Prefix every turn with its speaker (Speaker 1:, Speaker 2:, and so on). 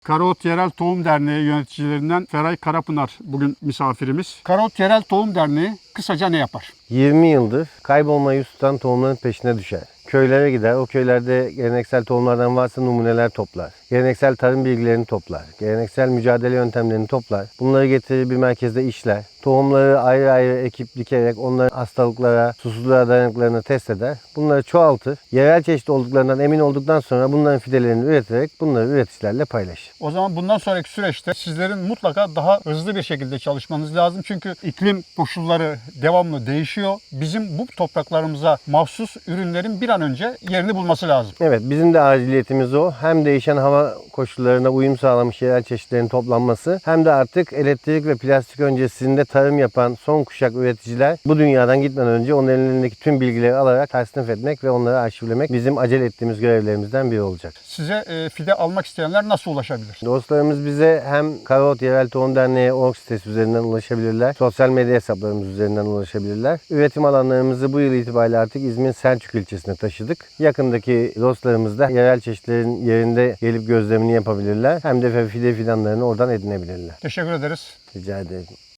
Speaker 1: Karaot Yerel Tohum Derneği yöneticilerinden Feray Karapınar bugün misafirimiz. Karaot Yerel Tohum Derneği kısaca ne yapar?
Speaker 2: 20 yıldır kaybolmayı tutan tohumların peşine düşer. Köylere gider, o köylerde geleneksel tohumlardan varsa numuneler toplar. Geleneksel tarım bilgilerini toplar. Geleneksel mücadele yöntemlerini toplar. Bunları getirir bir merkezde işler. Tohumları ayrı ayrı ekip dikerek onların hastalıklara, susuzluğa dayanıklarını test eder. Bunları çoğaltır. Yerel çeşit olduklarından emin olduktan sonra bunların fidelerini üreterek bunları üreticilerle paylaşır.
Speaker 1: O zaman bundan sonraki süreçte sizlerin mutlaka daha hızlı bir şekilde çalışmanız lazım. Çünkü iklim koşulları devamlı değişiyor. Bizim bu topraklarımıza mahsus ürünlerin bir an önce yerini bulması lazım.
Speaker 2: Evet, bizim de aciliyetimiz o. Hem değişen hava koşullarına uyum sağlamış yerel çeşitlerin toplanması hem de artık elektrik ve plastik öncesinde tarım yapan son kuşak üreticiler bu dünyadan gitmeden önce onun elindeki tüm bilgileri alarak tasnif etmek ve onları arşivlemek bizim acele ettiğimiz görevlerimizden biri olacak.
Speaker 1: Size fide almak isteyenler nasıl ulaşabilir?
Speaker 2: Dostlarımız bize hem Karaot Yerel Tohum Derneği org sitesi üzerinden ulaşabilirler. Sosyal medya hesaplarımız üzerinden ulaşabilirler. Üretim alanlarımızı bu yıl itibariyle artık İzmir'in Selçuk ilçesine taşıdık. Yakındaki dostlarımız da yerel çeşitlerin yerinde gelip gözlemini yapabilirler. Hem de fide fidanlarını oradan edinebilirler.
Speaker 1: Teşekkür ederiz.
Speaker 2: Rica ederim.